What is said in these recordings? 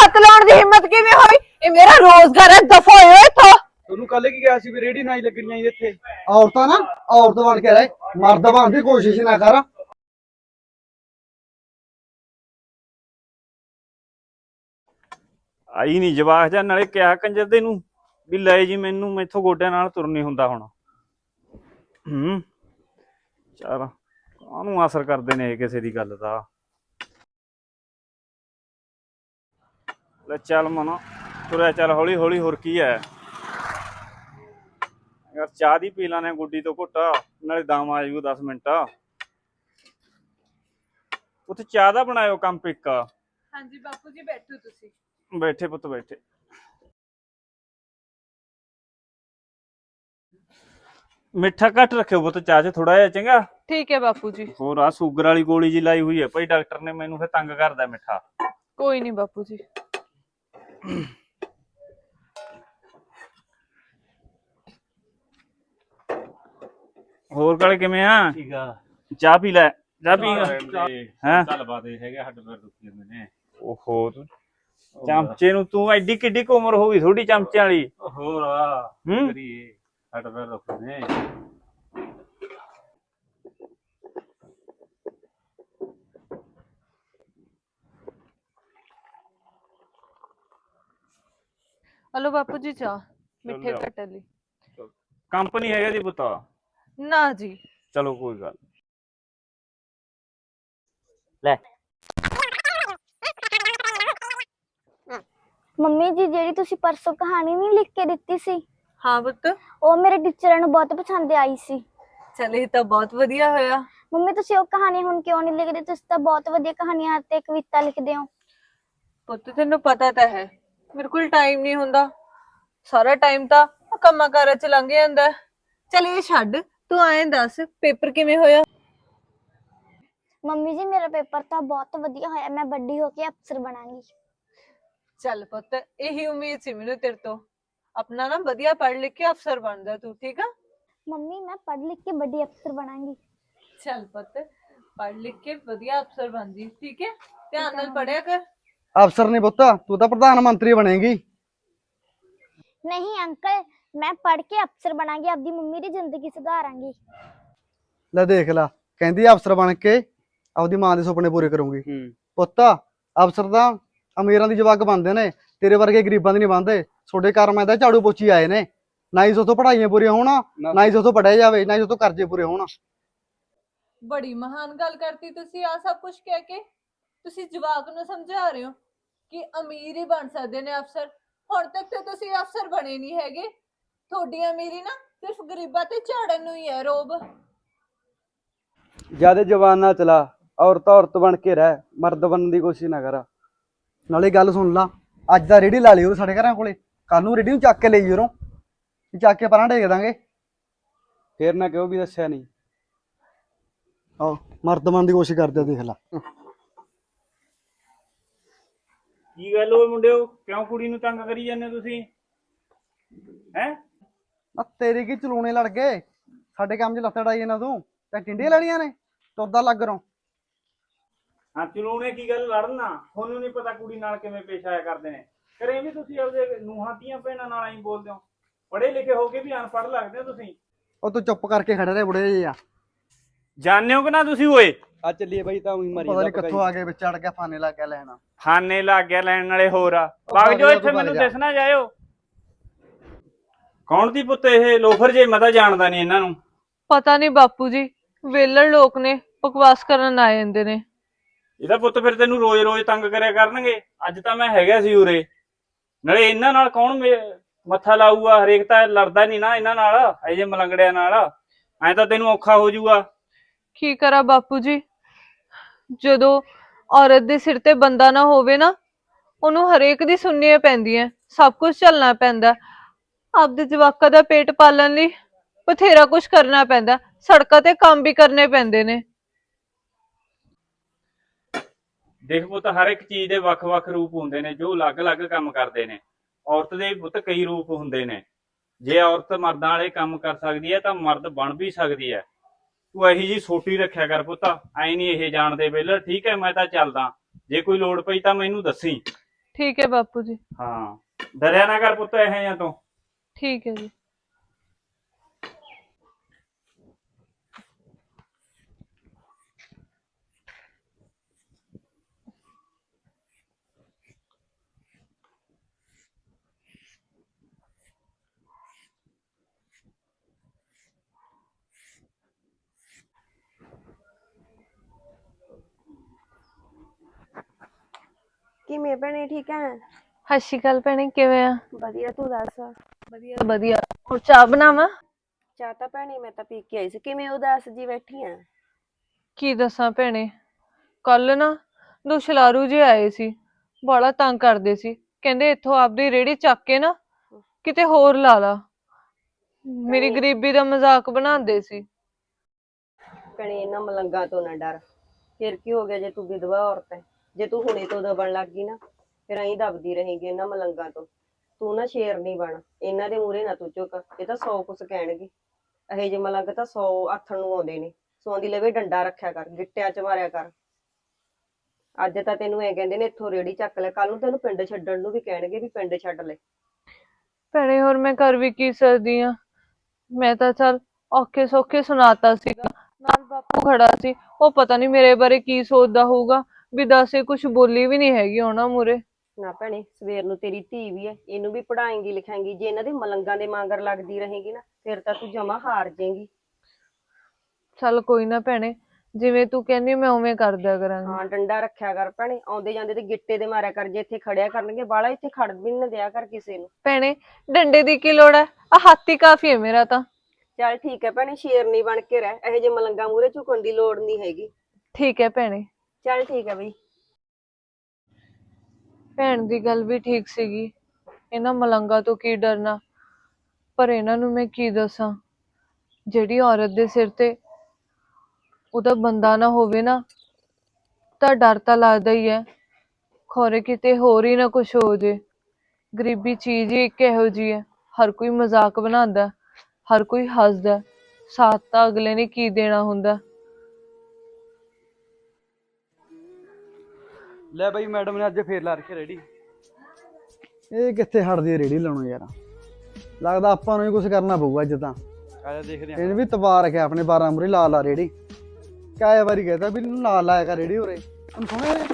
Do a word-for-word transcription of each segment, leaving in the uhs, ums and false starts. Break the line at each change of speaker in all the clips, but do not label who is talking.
ਹੱਥ ਲਾਉਣ ਦੀ ਹਿੰਮਤ ਕਿਵੇਂ ਹੋਈ? ਇਹ ਮੇਰਾ ਰੋਜ਼ਗਾਰ ਹੈ, ਦਫਾ ਹੋਇਓ ਇੱਥੋਂ।
ਤੁਹਾਨੂੰ ਕੱਲ ਕੀ ਕਿਹਾ ਸੀ ਵੀ ਰੇੜੀ ਨਾ ਹੀ ਲੱਗਣੀਆਂ ਜੀ ਇੱਥੇ।
ਔਰਤਾਂ ਨਾ ਔਰਤ ਬਣ ਕੇ ਰਹੇ, ਮਰਦ ਬਣਨ ਦੀ ਕੋਸ਼ਿਸ਼ ਨਾ ਕਰ।
ਆਈ ਨਹੀਂ ਜਵਾਕ ਜਾਂ ਨਾਲੇ ਕਿਹਾ ਕੰਜਰ ਦੇ ਨੂੰ ਵੀ ਲੈ ਜੀ ਮੈਨੂੰ ਮੈਥੋਂ ਗੋਡਿਆਂ ਨਾਲ ਤੁਰ ਨਹੀਂ ਹੁੰਦਾ ਹੁਣ। ਹੂੰ ਚਲ ਕਾਹਨੂੰ ਅਸਰ ਕਰਦੇ ਨੇ ਕਿਸੇ ਦੀ ਗੱਲ ਦਾ। ਲੈ ਚੱਲ ਮਨਾ ਤੁਰਿਆ ਚੱਲ ਹੌਲੀ ਹੌਲੀ, ਹੋਰ ਕੀ ਹੈ ਯਾਰ। ਚਾਹ ਦੀ ਪੀ ਲਾਣੇ ਗੁੱਡੀ ਤੋਂ ਘੁੱਟਾ, ਨਾਲੇ ਦਮ ਆ ਜਾਊ ਦਸ ਮਿੰਟ। ਉੱਥੇ ਚਾਹ ਦਾ ਬਣਾਇਓ ਕੰਪ ਇੱਕ।
ਹਾਂਜੀ ਬਾਪੂ ਜੀ ਬੈਠੋ ਤੁਸੀਂ।
ਬੈਠੇ ਪੁੱਤ ਬੈਠੇ। ਮਿੱਠਾ ਘੱਟ ਰੱਖਿਓ ਪੁੱਤ ਚਾਹ ਚ ਥੋੜਾ ਜਿਹਾ, ਚੰਗਾ।
ਠੀਕ ਹੈ ਬਾਪੂ ਜੀ।
ਹੋਰ ਆ ਸ਼ੂਗਰ ਵਾਲੀ ਗੋਲੀ ਜੀ ਲਾਈ ਹੋਈ ਹੈ ਭਾਈ ਡਾਕਟਰ ਨੇ, ਮੈਨੂੰ ਫਿਰ ਤੰਗ ਕਰਦਾ ਮਿੱਠਾ।
ਕੋਈ ਨਹੀਂ ਬਾਪੂ ਜੀ।
ਹੋਰ ਕਾਲੇ ਕਿਵੇਂ ਆ?
ਠੀਕ ਆ।
ਚਾਹ ਪੀ ਲੈ, ਚਾਹ ਪੀ ਹੈ।
ਗੱਲਬਾਤ ਇਹ ਹੈਗਾ, ਹੱਡ ਪੈਰ ਦੁਖੀ ਜਾਂਦੇ ਨੇ।
ਓਹੋ ਚਮਚੇ ਨੂੰ ਤੂੰ ਐਡੀ ਕਿੱਡੀ ਕੁ ਉਮਰ ਹੋ ਗਈ ਥੋੜੀ ਚਮਚੇ ਵਾਲੀ।
ਹੋਰ ਆ
ਹੂੰ
ਕਰੀਏ, ਹੱਡ ਪੈਰ ਦੁਖਦੇ ਨੇ।
ਹਲੋ ਬਾਪੂ ਜੀ ਚਾਹ, ਮਿੱਠੇ
ਲਿਆਓ।
ਕੱਟਣ ਲਈ।
ਕੰਪਨੀ ਹੈਗਾ ਜੀ ਪੁੱਤ?
ਨਾ ਜੀ।
ਚਲੋ ਕੋਈ ਗੱਲ।
ਲੈ ਮੰਮੀ ਜੀ, ਜਿਹੜੀ ਤੁਸੀਂ ਪਰਸੋਂ ਕਹਾਣੀ ਨਹੀਂ ਲਿਖ ਕੇ ਦਿੱਤੀ ਸੀ,
ਹਾਂ ਪੁੱਤ।
ਉਹ ਮੇਰੇ ਟੀਚਰਾਂ ਨੂੰ ਬਹੁਤ ਪਸੰਦ ਆਈ ਸੀ।
ਚਲ ਇਹ ਤਾਂ ਬਹੁਤ ਵਧੀਆ ਹੋਇਆ।
ਮੰਮੀ ਤੁਸੀਂ ਉਹ ਕਹਾਣੀ ਹੁਣ ਕਿਉਂ ਨਹੀਂ ਲਿਖਦੇ? ਤੁਸੀਂ ਤਾਂ ਬਹੁਤ ਵਧੀਆ ਕਹਾਣੀਆਂ ਤੇ ਕਵਿਤਾ ਲਿਖਦੇ ਹੋ।
ਪੁੱਤ ਤੈਨੂੰ ਪਤਾ ਤਾਂ ਹੈ ਮੇਰੇ ਕੋਲ ਟਾਈਮ ਨਹੀਂ ਹੁੰਦਾ, ਸਾਰਾ ਟਾਈਮ ਤਾਂ ਕੰਮਾਂ ਕਾਰਾਂ ਚ ਲੰਘ ਜਾਂਦਾ। ਚਲ ਇਹ ਛੱਡ, ਤੂੰ ਐਂ ਦੱਸ ਪੇਪਰ ਕਿਵੇਂ ਹੋਇਆ?
ਮੰਮੀ ਜੀ ਮੇਰਾ ਪੇਪਰ ਤਾਂ ਬਹੁਤ ਵਧੀਆ ਹੋਇਆ, ਮੈਂ ਵੱਡੀ ਹੋ ਕੇ ਅਫਸਰ ਬਣਾਂਗੀ।
ਚੱਲ ਪੁੱਤ, ਇਹੀ ਉਮੀਦ ਸੀ ਮੈਨੂੰ ਤੇਰੇ ਤੋਂ। ਆਪਣਾ ਨਾ ਵਧੀਆ ਪੜ੍ਹ ਲਿਖ ਕੇ ਅਫਸਰ ਬਣਦਾ ਤੂੰ, ਠੀਕ ਆ?
ਮੰਮੀ ਮੈਂ ਪੜ੍ਹ ਲਿਖ ਕੇ ਵੱਡੀ ਅਫਸਰ ਬਣਾਂਗੀ।
ਚੱਲ ਪੁੱਤ, ਪੜ੍ਹ ਲਿਖ ਕੇ ਵਧੀਆ ਅਫਸਰ ਬਣ ਜੀ, ਠੀਕ ਹੈ? ਧਿਆਨ ਨਾਲ ਪੜ੍ਹਿਆ ਕਰ।
ਅਫਸਰ ਨਹੀਂ ਪੁੱਤ, ਤੂੰ ਤਾਂ ਪ੍ਰਧਾਨ ਮੰਤਰੀ ਬਣੇਗੀ।
ਨਹੀਂ ਅੰਕਲ, ਮੈਂ ਪੜ੍ਹ ਕੇ ਅਫਸਰ ਬਣਾਂਗੀ, ਆਪਦੀ ਮੰਮੀ ਦੀ ਜ਼ਿੰਦਗੀ ਸੁਧਾਰਾਂਗੀ।
ਲੈ ਦੇਖ ਲਾ, ਕਹਿੰਦੀ ਅਫਸਰ ਬਣ ਕੇ ਆਪਦੀ ਮਾਂ ਦੇ ਸੁਪਨੇ ਪੂਰੇ ਕਰੂੰਗੀ। ਪੁੱਤ ਅਫਸਰ ਤਾਂ ਅਮੀਰਾਂ ਦੀ ਜਵਾਕ ਬਣਦੇ ਨੇ, ਤੇਰੇ ਵਰਗੇ ਗਰੀਬਾਂ ਦੇ ਨਹੀਂ ਬਣਦੇ। ਤੁਹਾਡੇ ਕਰਮਾਂ ਦਾ ਝਾੜੂ ਪੋਚੀ ਆਏ ਨੇ, ਨਾ ਹੀ ਉਥੋਂ ਪੜ੍ਹਾਈਆਂ ਪੂਰੀਆਂ ਹੋਣ, ਨਾ ਹੀ ਉਥੋਂ ਪੜ੍ਹਿਆ ਜਾਵੇ, ਨਾ ਹੀ ਉਥੋਂ ਕਰਜ਼ੇ ਪੂਰੇ ਹੋਣ।
ਬੜੀ ਮਹਾਨ ਗੱਲ ਕਰਤੀ ਤੁਸੀਂ। ਆ ਸਭ ਕੁਝ ਕਹਿ ਕੇ ਤੁਸੀਂ ਜਵਾਕ ਨੂੰ ਸਮਝਾ ਰਹੇ ਹੋ ਕਿ ਅਮੀਰ ਹੀ ਬਣ ਸਕਦੇ ਨੇ ਅਫਸਰ। ਹੁਣ ਤੱਕ ਤੇ ਤੁਸੀਂ ਅਫਸਰ ਬਣੇ ਨਹੀਂ ਹੈਗੇ। ਤੁਹਾਡੀ ਅਮੀਰੀ ਨਾ ਸਿਰਫ ਗਰੀਬਾਂ ਤੇ ਝਾੜਨ ਨੂੰ ਹੀ ਹੈ ਰੋਬ।
ਜਿਆਦੇ ਜਵਾਨ ਨਾ ਚਲਾ, ਔਰਤ ਔਰਤ ਬਣ ਕੇ ਰਹਿ, ਮਰਦ ਬਣਨ ਦੀ ਕੋਸ਼ਿਸ਼ ਨਾ ਕਰ। ਨਾਲੇ ਗੱਲ ਸੁਣ ਲਾ, ਅੱਜ ਦਾ ਰੇੜੀ ਲਾ ਲਈ ਉਹ ਸਾਡੇ ਘਰਾਂ ਕੋਲੇ, ਕੱਲ ਨੂੰ ਰੇੜੀ ਨੂੰ ਚੱਕ ਕੇ ਲਈ ਉਰੋਂ, ਚੱਕ ਕੇ ਪਰਾਂ ਢੇਕ ਦਾਂਗੇ। ਫੇਰ ਨਾ ਕਿਉਂ ਵੀ ਦੱਸਿਆ ਨਹੀਂ। ਆਹ ਮਰਦ ਬਣਨ ਦੀ ਕੋਸ਼ਿਸ਼ ਕਰਦੇ, ਦੇਖ ਲਾ।
ਕੀ ਗੱਲ ਹੋਈ ਮੁੰਡਿਓ, ਕਿਉਂ ਕੁੜੀ ਨੂੰ ਤੰਗ ਕਰੀ ਜਾਂਦੇ ਤੁਸੀਂ? ਹੈ
ਆ ਤੇਰੇ ਕੀ ਚਲੂਣੇ ਲੜ ਗਏ, ਸਾਡੇ ਕੰਮ 'ਚ ਲੱਤ ਡਾਈ ਇਹਨਾਂ ਤੂੰ ਤਾਂ ਟਿੰਡੀਆਂ ਲੈਣੀਆਂ ਨੇ, ਤੁਰਦਾ ਲੱਗ ਰੋਂ।
ਹਾਂ ਚਲੂਣੇ ਕੀ ਗੱਲ ਲੜਨਾ? ਤੁਹਾਨੂੰ ਨਹੀਂ ਪਤਾ ਕੁੜੀ ਨਾਲ ਕਿਵੇਂ ਪੇਸ਼ ਆਇਆ ਕਰਦੇ ਨੇ। ਕਰੇ ਵੀ ਤੁਸੀਂ ਆਪਦੇ ਨੂੰਹਾਂ ਦੀਆਂ ਭੈਣਾਂ ਨਾਲ ਆਈ ਬੋਲਦੇ ਹੋ। ਪੜ੍ਹੇ ਲਿਖੇ ਹੋ ਕੇ ਵੀ ਅਨਪੜ੍ਹ ਲੱਗਦੇ ਹੋ ਤੁਸੀਂ।
ਉਹ ਤੂੰ ਚੁੱਪ ਕਰਕੇ ਖੜੇ ਰਹੇ ਬੁੜੇ ਜਿਹੇ ਆ।
ਜਾਣਦੇ ਹੋ ਕਿ ਨਾ ਤੁਸੀਂ? ਓਏ
ਆ ਚੱਲੀਏ ਬਾਈ, ਤਾਂ ਉਹੀ ਮਰੀ ਪਤਾ ਨਹੀਂ ਕਿੱਥੋਂ ਆ ਕੇ ਵਿੱਚ ਅੜ ਗਿਆ, ਫਾਨੇ ਲੱਗ ਗਿਆ ਲੈਣਾ।
ਖਾਨੇ ਲੱਗ ਗਿਆ ਲੈਣ ਵਾਲੇ ਹੋਰ ਆ। ਵਗ ਜਾਓ ਇੱਥੇ, ਮੈਨੂੰ ਦਿਸਣਾ ਜਾਇਓ। ਕੌਣ ਦੀ ਪੁੱਤ ਇਹ ਲੋਫਰ ਜੇ? ਮੈਂ ਤਾਂ ਜਾਣਦਾ ਨਹੀਂ ਇਹਨਾਂ ਨੂੰ।
ਪਤਾ ਨਹੀਂ ਬਾਪੂ ਜੀ, ਵੇਲੜ ਲੋਕ ਨੇ, ਬਕਵਾਸ ਕਰਨ ਆ ਜਾਂਦੇ ਨੇ।
ਇਹਦਾ ਪੁੱਤ ਫਿਰ ਤੈਨੂੰ ਰੋਜ਼ ਰੋਜ਼ ਤੰਗ ਕਰਿਆ ਕਰਨਗੇ। ਅੱਜ ਤਾਂ ਮੈਂ ਹੈਗਾ ਸੀ ਉਰੇ, ਨਾਲੇ ਇਹਨਾਂ ਨਾਲ ਕੌਣ ਮੱਥਾ ਲਾਊਗਾ? ਹਰੇਕ ਤਾਂ ਲੜਦਾ ਨਹੀਂ ਨਾ ਇਹਨਾਂ ਨਾਲ, ਇਹ ਜੇ ਮਲੰਗੜਿਆਂ ਨਾਲ। ਐ ਤਾਂ ਤੈਨੂੰ ਔਖਾ ਹੋ ਜਾਊਗਾ।
ਕੀ ਕਰਾਂ ਬਾਪੂ ਜੀ, ਜਦੋਂ ਔਰਤ ਦੇ ਸਿਰ ਤੇ ਬੰਦਾ ਨਾ ਹੋਵੇ ਨਾ, ਉਹਨੂੰ ਹਰੇਕ ਦੀ ਸੁਣਨੀਆਂ ਪੈਂਦੀਆਂ, ਸਭ ਕੁਝ ਝੱਲਣਾ ਪੈਂਦਾ। ਆਪਦੇ ਜਵਾਕਾਂ ਦਾ ਪੇਟ ਪਾਲਣ ਲਈ ਬਥੇਰਾ ਕੁਝ ਕਰਨਾ ਪੈਂਦਾ, ਸੜਕਾਂ ਤੇ ਕੰਮ ਵੀ ਕਰਨੇ ਪੈਂਦੇ ਨੇ।
ਦੇਖ ਪੁੱਤ, ਹਰ ਇੱਕ ਚੀਜ਼ ਦੇ ਵੱਖ-ਵੱਖ ਰੂਪ ਹੁੰਦੇ ਨੇ ਜੋ ਅਲੱਗ-ਅਲੱਗ ਕੰਮ ਕਰਦੇ ਨੇ। ਔਰਤ ਦੇ ਪੁੱਤ ਕਈ ਰੂਪ ਹੁੰਦੇ ਨੇ। ਜੇ ਔਰਤ ਮਰਦਾਂ ਵਾਲੇ ਕੰਮ ਕਰ ਸਕਦੀ ਹੈ ਤਾਂ ਮਰਦ ਬਣ ਵੀ ਸਕਦੀ ਹੈ। ਤੂੰ ਇਹੀ ਜੀ ਸੋਟੀ ਰੱਖਿਆ ਕਰ ਪੁੱਤ, ਐ ਨਹੀਂ ਇਹ ਜਾਣਦੇ ਵੇਲੇ। ਠੀਕ ਹੈ, ਮੈਂ ਤਾਂ ਚੱਲਦਾ, ਜੇ ਕੋਈ ਲੋੜ ਪਈ ਤਾਂ ਮੈਨੂੰ ਦੱਸੀ।
ਠੀਕ ਹੈ ਬਾਪੂ ਜੀ।
ਹਾਂ, ਡਰਿਆ ਨਾ ਕਰ ਪੁੱਤ ਇਹੋ ਜਿਹਾ ਤੋਂ।
ਠੀਕ ਹੈ ਜੀ।
ਕਿਵੇਂ ਭੈਣੇ ਠੀਕ ਹੈ?
ਸਤਿ ਸ਼੍ਰੀ ਅਕਾਲ ਭੈਣੇ, ਕਿਵੇਂ ਆ?
ਵਧੀਆ, ਤੂੰ ਦੱਸ?
ਵਧੀਆ ਵਧੀਆ। ਹੋਰ ਚਾਹ ਬਣਾਵਾਂ?
ਚਾਹ ਤਾਂ ਭੈਣੇ ਮੈਂ ਤਾਂ ਪੀ ਕੇ ਆਈ ਸੀ। ਕਿਵੇਂ ਉਦਾਸ ਜੀ ਬੈਠੀ ਆ?
ਕੀ ਦੱਸਾਂ ਭੈਣੇ, ਕੱਲ ਨਾ ਦੋ ਸ਼ਲਾਰੂ ਜਿਹੇ ਆਏ ਸੀ, ਬੜਾ ਤੰਗ ਕਰਦੇ ਸੀ। ਕਹਿੰਦੇ ਇੱਥੋਂ ਆਪਦੀ ਰੇਹੜੀ ਚੱਕ ਕੇ ਨਾ ਕਿਤੇ ਹੋਰ ਲਾ ਲਾ। ਮੇਰੀ
ਭੈਣੇ-
ਗਰੀਬੀ ਦਾ ਮਜ਼ਾਕ ਬਣਾਉਂਦੇ ਸੀ।
ਭੈਣੇ ਇਹਨਾਂ ਮਲੰਗਾਂ ਤੋਂ ਨਾ ਡਰ। ਫਿਰ ਕੀ ਹੋ ਗਿਆ ਜੇ ਤੂੰ ਵਿਧਵਾ ਔਰਤ ਹੈ? ਜੇ ਤੂੰ ਹੁਣੇ ਤੋਂ ਦਬਣ ਲੱਗ ਗਈ ਨਾ, ਫਿਰ ਐਂ ਦਬਦੀ ਰਹੇਗੀ ਇਹਨਾਂ ਮਲੰਗਾਂ ਤੋਂ। ਤੂੰ ਨਾ ਸ਼ੇਰ ਨਹੀਂ ਬਣ, ਇਹਨਾਂ ਦੇ ਮੂਹਰੇ ਨਾ ਤੂੰ ਝੁਕ। ਇਹ ਤਾਂ ਸੌ ਕੁਛ ਕਹਿਣਗੇ। ਇਹੋ ਜਿਹੇ ਮਲੰਗ ਤਾਂ ਸੌ ਆਥਣ ਨੂੰ ਆਉਂਦੇ ਨੇ। ਸੌਂਦੀ ਲਵੇ ਡੰਡਾ ਰੱਖਿਆ ਕਰ, ਗਿੱਟਿਆਂ ਚ ਮਾਰਿਆ ਕਰ। ਅੱਜ ਤਾਂ ਤੈਨੂੰ ਐ ਕਹਿੰਦੇ ਨੇ ਇੱਥੋਂ ਰੇੜੀ ਚੱਕ ਲੈ, ਕੱਲ ਨੂੰ ਤੈਨੂੰ ਪਿੰਡ ਛੱਡਣ ਨੂੰ ਵੀ ਕਹਿਣਗੇ ਵੀ ਪਿੰਡ ਛੱਡ ਲੈ।
ਭੈਣੇ ਹੋਰ ਮੈਂ ਕਰ ਵੀ ਕੀ ਸਕਦੀ ਆ। ਮੈਂ ਤਾਂ ਚੱਲ ਔਖੇ ਸੌਖੇ ਸੁਣਾਤਾ ਸੀਗਾ, ਨਾਲ ਬਾਪੂ ਖੜਾ ਸੀ। ਉਹ ਪਤਾ ਨਹੀਂ ਮੇਰੇ ਬਾਰੇ ਕੀ ਸੋਚਦਾ ਹੋਊਗਾ, ਵੀ ਦੱਸ ਇਹ ਕੁਛ ਬੋਲੀ ਵੀ ਨਹੀਂ ਹੈਗੀ ਉਹਨਾਂ ਮੂਹਰੇ।
ਨਾ ਭੈਣੇ, ਸਵੇਰ ਨੂੰ ਤੇਰੀ ਧੀ ਵੀ ਹੈ, ਇਹਨੂੰ ਵੀ ਪੜਾਏਂਗੀ ਲਿਖਾਏਂਗੀ। ਜੇ ਇਹਨਾਂ ਦੇ ਮਲੰਗਾਂ ਦੇ ਮਾਂਗਰ ਲੱਗਦੀ ਰਹੇਗੀ ਨਾ, ਫਿਰ ਤਾਂ ਤੂੰ ਜਮਾ ਹਾਰ ਜਾਏਂਗੀ।
ਚੱਲ ਕੋਈ ਨਾ ਭੈਣੇ, ਜਿਵੇਂ ਤੂੰ ਕਹਿੰਦੀ ਮੈਂ ਉਵੇਂ ਕਰਦਿਆ ਕਰਾਂਗੀ।
ਹਾਂ, ਡੰਡਾ ਰੱਖਿਆ ਕਰ ਭੈਣੇ। ਆਉਂਦੇ ਜਾਂਦੇ ਤੇ ਗਿੱਟੇ ਦੇ ਮਾਰਿਆ ਕਰ। ਜੇ ਇੱਥੇ ਖੜਿਆ ਕਰਨਗੇ ਬਾਲਾ, ਇੱਥੇ ਖੜ ਵੀ ਨਾ ਦਿਆ ਕਰ ਕਿਸੇ ਨੂੰ।
ਭੈਣੇ ਡੰਡੇ ਦੀ ਕੀ ਲੋੜ ਹੈ, ਆ ਹਾਥੀ ਕਾਫੀ ਹੈ ਮੇਰਾ ਤਾਂ।
ਚੱਲ ਠੀਕ ਹੈ ਭੈਣੇ, ਸ਼ੇਰਨੀ ਬਣ ਕੇ ਰਹਿ। ਇਹੋ ਜਿਹੇ ਮਲੰਗਾਂ ਮੂਹਰੇ ਝੁਕਣ ਦੀ ਲੋੜ ਨਹੀਂ ਹੈਗੀ।
ਠੀਕ ਹੈ ਭੈਣੇ।
ਚੱਲ ਠੀਕ ਹੈ ਬਈ।
ਭੈਣ ਦੀ ਗੱਲ ਵੀ ਠੀਕ ਸੀਗੀ, ਇਹਨਾਂ ਮਲੰਗਾਂ ਤੋਂ ਕੀ ਡਰਨਾ। ਪਰ ਇਹਨਾਂ ਨੂੰ ਮੈਂ ਕੀ ਦੱਸਾਂ, ਜਿਹੜੀ ਔਰਤ ਦੇ ਸਿਰ ਤੇ ਉਹਦਾ ਬੰਦਾ ਨਾ ਹੋਵੇ ਨਾ, ਤਾਂ ਡਰ ਤਾਂ ਲੱਗਦਾ ਹੀ ਹੈ। ਖੌਰੇ ਕਿਤੇ ਹੋਰ ਹੀ ਨਾ ਕੁਛ ਹੋ ਜੇ। ਗਰੀਬੀ ਚੀਜ਼ ਹੀ ਇੱਕ ਇਹੋ ਜਿਹੀ ਹੈ, ਹਰ ਕੋਈ ਮਜ਼ਾਕ ਬਣਾਉਂਦਾ, ਹਰ ਕੋਈ ਹੱਸਦਾ, ਸਾਥ ਤਾਂ ਅਗਲੇ ਨੇ ਕੀ ਦੇਣਾ ਹੁੰਦਾ।
ਲੈ ਬਾਈ, ਮੈਡਮ ਨੇ ਅੱਜ ਫੇਰ ਲਾ ਰੱਖੀ ਰੇੜੀ। ਇਹ ਕਿੱਥੇ ਹਟਦੀ ਹੈ ਰੇੜੀ ਲਾਉਣੋਂ ਯਾਰ। ਲੱਗਦਾ ਆਪਾਂ ਨੂੰ ਹੀ ਕੁਝ ਕਰਨਾ ਪਊਗਾ ਅੱਜ ਤਾਂ।
ਆਜਾ ਦੇਖਦੇ ਆ।
ਇਹਨੇ ਵੀ ਤਬਾ ਰੱਖਿਆ ਆਪਣੇ ਬਾਰਾਂ ਮੂਰੇ ਲਾ ਲਾ ਰੇੜੀ। ਕਾਇਆ ਵਾਰੀ ਕਹਿੰਦਾ ਵੀ ਇਹਨੂੰ ਨਾਲ ਲਾਇਆ ਕਰ ਰੇੜੀ ਉਰੇ। ਹੁਣ ਸੁਣਿਆ ਨੇ?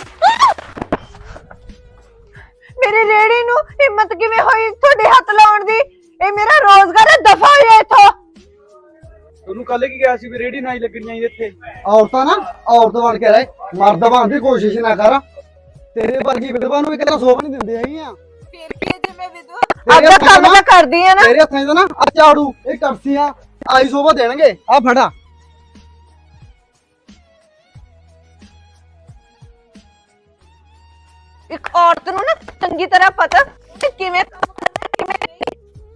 ਮੇਰੀ ਰੇੜੀ ਨੂੰ ਹਿੰਮਤ ਕਿਵੇਂ ਹੋਈ ਤੁਹਾਡੇ ਹੱਥ ਲਾਉਣ ਦੀ? ਇਹ ਮੇਰਾ ਰੋਜ਼ਗਾਰ ਹੈ, ਦਫਾ ਹੋ ਜਾ ਇੱਥੋਂ।
ਤੁਹਾਨੂੰ ਕੱਲ ਕੀ ਕਿਹਾ ਸੀ ਵੀ ਰੇੜੀ ਨਾ ਹੀ ਲੱਗਣੀ ਚਾਹੀਦੀ ਇੱਥੇ?
ਔਰਤਾਂ ਨਾ ਔਰਤ ਬਣ ਕੇ ਰਹਿ, ਮਰਦ ਬਣਨ ਦੀ ਕੋਸ਼ਿਸ਼ ਨਾ ਕਰ। ਤੇਰੇ ਵਰਗੀ ਵਿਧਵਾ ਨੂੰ ਇੱਕ ਤਰ੍ਹਾਂ ਸੋਭ ਨਹੀਂ ਦਿੰਦੇ ਹੈਗੀਆਂ।
ਫਿਰ ਕੀ ਜੇ ਮੈਂ ਵਿਧਵਾ ਆਪਦਾ ਕੰਮ ਤਾਂ ਕਰਦੀ ਆ ਨਾ।
ਤੇਰੇ ਹੱਥਾਂ 'ਚ ਨਾ ਆ ਝਾੜੂ, ਇਹ ਕਰਸੀਆਂ ਆਈ ਸੋਭਾ ਦੇਣਗੇ। ਆ ਫੜਾ।
ਇੱਕ ਔਰਤ ਨੂੰ ਨਾ ਚੰਗੀ ਤਰ੍ਹਾਂ ਪਤਾ ਕਿ ਕਿਵੇਂ ਕੰਮ ਕਰਨਾ, ਕਿਵੇਂ ਨਹੀਂ।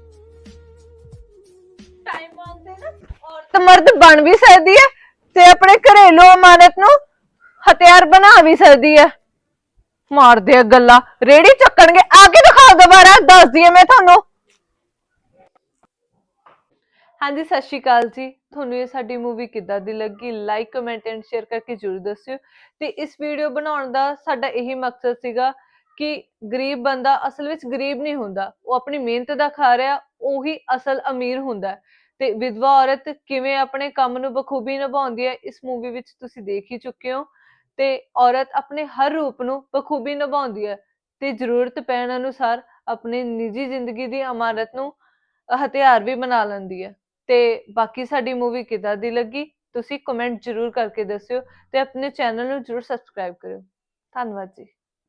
ਟਾਈਮ ਆਉਂਦੇ ਨਾ ਔਰਤ ਮਰਦ ਬਣ ਵੀ ਸਕਦੀ ਹੈ ਤੇ ਆਪਣੇ ਘਰੇਲੂ ਅਮਾਨਤ ਨੂੰ ਹਥਿਆਰ ਬਣਾ ਵੀ ਸਕਦੀ ਹੈ। ਮਾਰਦੇ ਆ ਗੱਲਾਂ, ਰੇੜੀ ਚੱਕਣਗੇ। ਆ ਕੇ ਦਿਖਾਓ ਦੁਬਾਰਾ, ਦੱਸਦੀ ਆ ਮੈਂ ਤੁਹਾਨੂੰ। ਹਾਂਜੀ, ਸਤਿ ਸ਼੍ਰੀ ਅਕਾਲ ਜੀ। ਤੁਹਾਨੂੰ ਇਹ ਸਾਡੀ ਮੂਵੀ ਕਿੱਦਾਂ ਦੀ ਲੱਗੀ, ਲਾਈਕ ਕਮੈਂਟ ਐਂਡ ਸ਼ੇਅਰ ਕਰਕੇ ਜ਼ਰੂਰ ਦੱਸਿਓ। ਤੇ ਇਸ ਵੀਡੀਓ ਬਣਾਉਣ ਦਾ ਸਾਡਾ ਇਹੀ ਮਕਸਦ ਸੀਗਾ ਕਿ ਗਰੀਬ ਬੰਦਾ ਅਸਲ ਵਿੱਚ ਗਰੀਬ ਨਹੀਂ ਹੁੰਦਾ, ਉਹ ਆਪਣੀ ਮਿਹਨਤ ਦਾ ਖਾ ਰਿਹਾ, ਉਹੀ ਅਸਲ ਅਮੀਰ ਹੁੰਦਾ। ਤੇ ਵਿਧਵਾ ਔਰਤ ਕਿਵੇਂ ਆਪਣੇ ਕੰਮ ਨੂੰ ਬਖੂਬੀ ਨਿਭਾਉਂਦੀ ਹੈ, ਇਸ ਮੂਵੀ ਵਿੱਚ ਤੁਸੀਂ ਦੇਖ ਹੀ ਚੁੱਕੇ ਹੋ। ਤੇ ਔਰਤ ਆਪਣੇ ਹਰ ਰੂਪ ਨੂੰ ਬਖੂਬੀ ਨਿਭਾਉਂਦੀ ਹੈ ਤੇ ਜ਼ਰੂਰਤ ਪੈਣ ਅਨੁਸਾਰ ਆਪਣੀ ਨਿੱਜੀ ਜ਼ਿੰਦਗੀ ਦੀ ਅਮਾਨਤ ਨੂੰ ਹਥਿਆਰ ਵੀ ਬਣਾ ਲੈਂਦੀ ਹੈ। ਤੇ ਬਾਕੀ ਸਾਡੀ ਮੂਵੀ ਕਿੱਦਾਂ ਦੀ ਲੱਗੀ ਤੁਸੀਂ ਕਮੈਂਟ ਜ਼ਰੂਰ ਕਰਕੇ ਦੱਸਿਓ ਤੇ ਆਪਣੇ ਚੈਨਲ ਨੂੰ ਜ਼ਰੂਰ ਸਬਸਕ੍ਰਾਈਬ ਕਰਿਓ। ਧੰਨਵਾਦ ਜੀ।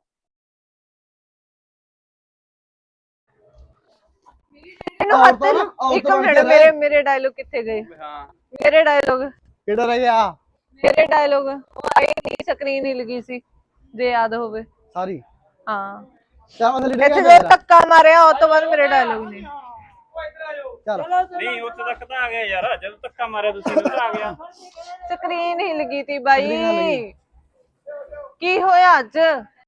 ਮੈਨੂੰ ਹੱਥ
ਔਰਤਾਂ ਨਾ ਔਰਤ
ਇੱਕ
ਬਣ ਕੇ
ਮਿੰਟ,
ਰਹਿ।
ਮੇਰੇ ਮੇਰੇ ਡਾਇਲੋਗ ਕਿੱਥੇ ਗਏ?
ਹਾਂ,
ਮੇਰੇ ਡਾਇਲੋਗ
ਕਿਹੜਾ ਰਹਿ ਗਿਆ?
ਮੇਰੇ ਡਾਇਲੋਗ ਉਹ ਆਈ ਨਹੀਂ, ਸਕਰੀਨ ਹੀ ਲੱਗੀ ਸੀ, ਜੇ ਯਾਦ ਹੋਵੇ।
ਸਾਰੀ
ਹਾਂ,
ਚਾਹ ਥੱਲੇ
ਇੱਥੇ
ਡਿੱਗਿਆ
ਜੋ ਧੱਕਾ ਮਾਰਿਆ ਉਹ ਤੋਂ ਬਾਅਦ ਮੇਰੇ ਡਾਇਲੋਗ ਨੇ।
ਚੱਲ
ਨਹੀਂ ਉੱਥੇ ਤੱਕ ਤਾਂ ਆ ਗਿਆ ਯਾਰ, ਜਦੋਂ ਧੱਕਾ ਮਾਰਿਆ ਤੁਸੀਂ ਨੂੰ ਤਾਂ ਆ ਗਿਆ।
ਸਕਰੀਨ ਹੀ ਲੱਗੀ ਤੀ
ਸਕਰੀਨ
ਬਾਈ।
ਲੱਗੀ।
ਕੀ ਹੋਇਆ ਅੱਜ?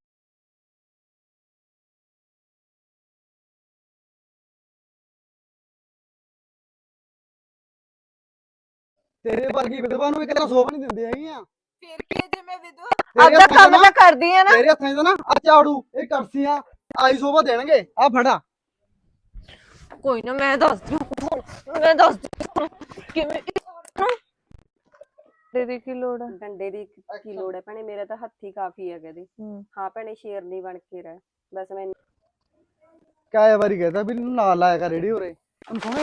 ਤੇਰੇ ਵਰਗੀ ਵਿਧਵਾ ਨੂੰ ਇੱਕ ਤਰ੍ਹਾਂ ਸੋਭ ਨਹੀਂ ਦਿੰਦੇ ਹੈਗੀਆਂ।
ਫਿਰ ਕੀ ਜੇ ਮੈਂ ਵਿਧਵਾ
ਤੇਰੇ
ਆਪਦਾ
ਹੱਥਾਂ 'ਚ
ਕੰਮ
ਨਾ-
ਤਾਂ ਕਰਦੀ ਆ ਨਾ।
ਤੇਰੇ ਹੱਥਾਂ 'ਚ ਨਾ ਆ ਝਾੜੂ, ਇਹ ਕਰਸੀਆਂ ਆਈ ਸੋਭਾ ਦੇਣਗੇ। ਆ ਫੜਾ।
ਕੋਈ ਨਾ ਮੈਂ ਦੱਸਦੀ ਹਾਂ ਮੈਂ ਦੱਸਦੀ ਹਾਂ ਕਿਵੇਂ ਤੇਰੀ ਕੀ ਲੋੜ ਹੈ।
ਡੰਡੇ ਦੀ ਕੀ ਲੋੜ ਹੈ ਭੈਣੇ, ਮੇਰਾ ਤਾਂ ਹੱਥੀ ਕਾਫੀ ਹੈ ਕਦੇ।
ਹੂੰ
ਹਾਂ ਭੈਣੇ ਸ਼ੇਰਨੀ ਬਣ ਕੇ ਰਹਿ ਬਸ। ਮੈਂ
ਕਾਏ ਵਾਰੀ ਕਹਤਾ ਵੀ ਇਹਨੂੰ ਨਾਲ ਲਾਇਆ ਕਰ ਰੇੜੀ ਉਰੇ। ਹੁਣ ਸੁਣ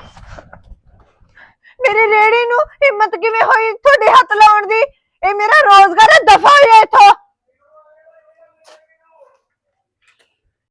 ਮੇਰੀ ਰੇੜੀ ਨੂੰ ਹਿੰਮਤ ਕਿਵੇਂ ਹੋਈ ਤੁਹਾਡੇ ਹੱਥ ਲਾਉਣ ਦੀ? ਇਹ ਮੇਰਾ